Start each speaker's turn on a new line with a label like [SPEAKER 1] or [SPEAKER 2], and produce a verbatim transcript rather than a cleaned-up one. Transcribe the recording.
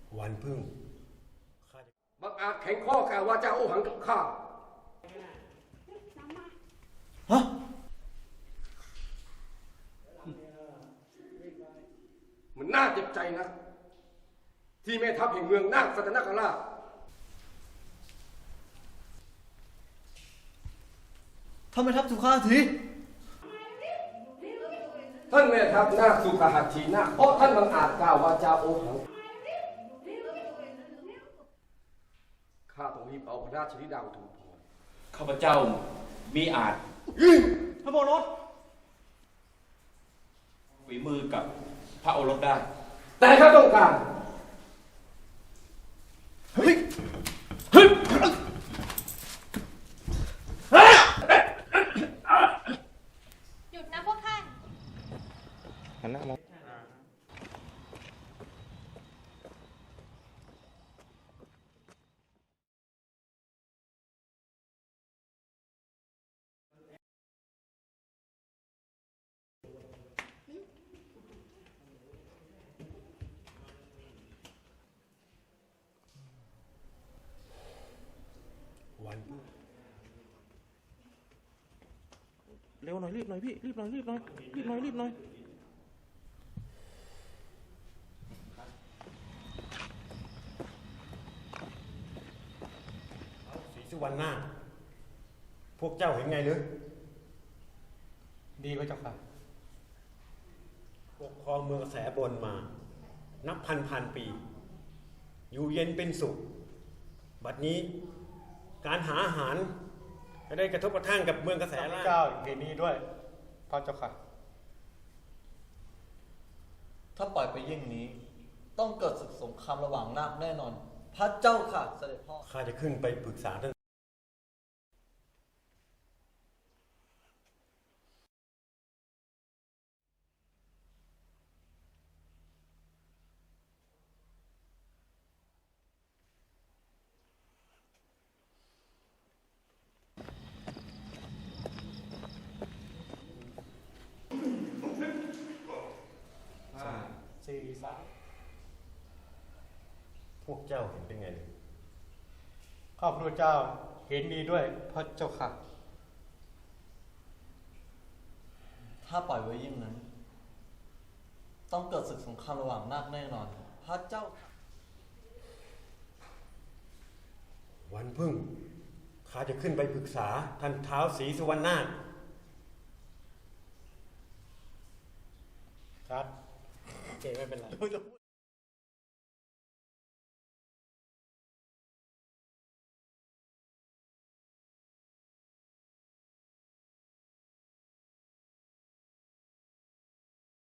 [SPEAKER 1] วันพึ่ง
[SPEAKER 2] บังอาจแข็งข้อกล่าววาจาโอหังกับข้า
[SPEAKER 3] ฮะ
[SPEAKER 2] มันน่าเจ็บใจนะที่แม่ทัพแห่งเมืองนาคสัตนคราช
[SPEAKER 3] ทำไมทัพสุขาที
[SPEAKER 2] ท่านแม่ทัพนาคสุขหัตถีนาคเพราะท่านบังอาจกล่าววาจาโอหังข้าต้องรีบเอาพระราชธิดาอุทุมพร
[SPEAKER 4] ข้าพเจ้ามีอาจ
[SPEAKER 3] พระโอรส
[SPEAKER 4] ฝีมือกับพระโอรสได้
[SPEAKER 2] แต่ข้าต้องการ
[SPEAKER 3] เฮ้ย
[SPEAKER 5] หยุดนะพวกท่าน
[SPEAKER 3] หันหน้ามอง
[SPEAKER 1] วันพึ่ง
[SPEAKER 3] เร็วหน่อยรีบหน่อยพี่รีบหน่อยรีบหน่อยรีบหน่อยรีบหน่อย
[SPEAKER 1] ศรีสุวรรณนาถพวกเจ้าเห็นไงหรือดีพระเจ้าค่ะปกครองเมืองแสบนมา นับพันพันปี อยู่เย็นเป็นสุข บัดนี้การหาอาหารจะได้กระทบกระทั่งกับเมืองกระแสล่าง
[SPEAKER 6] เจ้าอย่างนี้ด้วยพระเจ้าค่ะ
[SPEAKER 7] ถ้าปล่อยไปยิ่งนี้ ต้องเกิดศึกสงครามระหว่างนาคแน่นอน พระเจ้าค่ะเสด็จพ่อ
[SPEAKER 1] ข้าจะขึ้นไปปรึกษาท่าน
[SPEAKER 6] สี่สาม
[SPEAKER 1] พวกเจ้าเห็นเป็นไงหรือ
[SPEAKER 6] ข้าพระเจ้าเห็นดีด้วยพระเจ้าค่ะ
[SPEAKER 7] ถ้าปล่อยไว้ยิ่งนั้น ต้องเกิดศึกสงครามระหว่างนาคแน่นอน พระเจ้าค่ะ
[SPEAKER 1] วันพึ่งข้าจะขึ้นไปปรึกษาท่านท้าวศรีสุวรรณนาถ
[SPEAKER 6] ครับโอเคไม่เป็นไร